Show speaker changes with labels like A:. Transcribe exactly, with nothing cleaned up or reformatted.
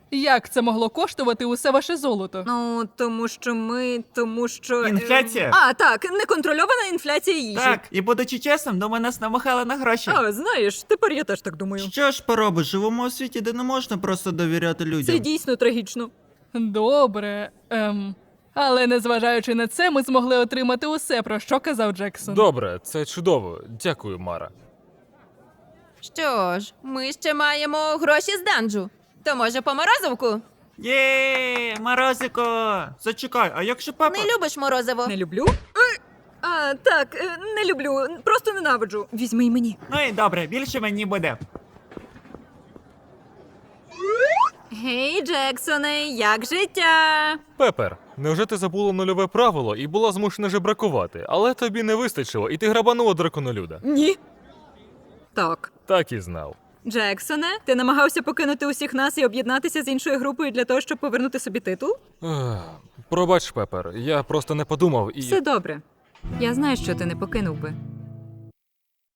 A: Як це могло коштувати усе ваше золото?
B: Ну, тому що ми, тому що... е,
C: Інфляція?
B: А, так, неконтрольована інфляція їжі.
C: Так, і будучи чесним, думаю, нас намахали на гроші.
B: А, знаєш, тепер я теж так думаю.
D: Що ж поробиш, живемо у світі, де не можна просто довіряти людям.
B: Це дійсно трагічно.
A: Добре. Ем. Але незважаючи на це, ми змогли отримати усе, про що казав Джексон.
E: Добре, це чудово. Дякую, Мара.
F: Що ж, ми ще маємо гроші з данжу. То може по морозивку?
C: Є, морозико! Зачекай, а якщо папа...
F: Не любиш морозиво?
B: Не люблю? Е, А, так, е, не люблю, просто ненавиджу. Візьми й мені.
C: Ну і добре, більше мені буде.
B: Гей, Джексоне, як життя?
E: Пепер, невже ти забула нульове правило і була змушена жебракувати, але тобі не вистачило, і ти грабанула драконолюда?
B: Ні. Так.
E: Так і знав.
B: Джексоне, ти намагався покинути усіх нас і об'єднатися з іншою групою для того, щоб повернути собі титул?
E: Ех, Пробач, Пепер, я просто не подумав і.
B: Все добре. Я знаю, що ти не покинув би.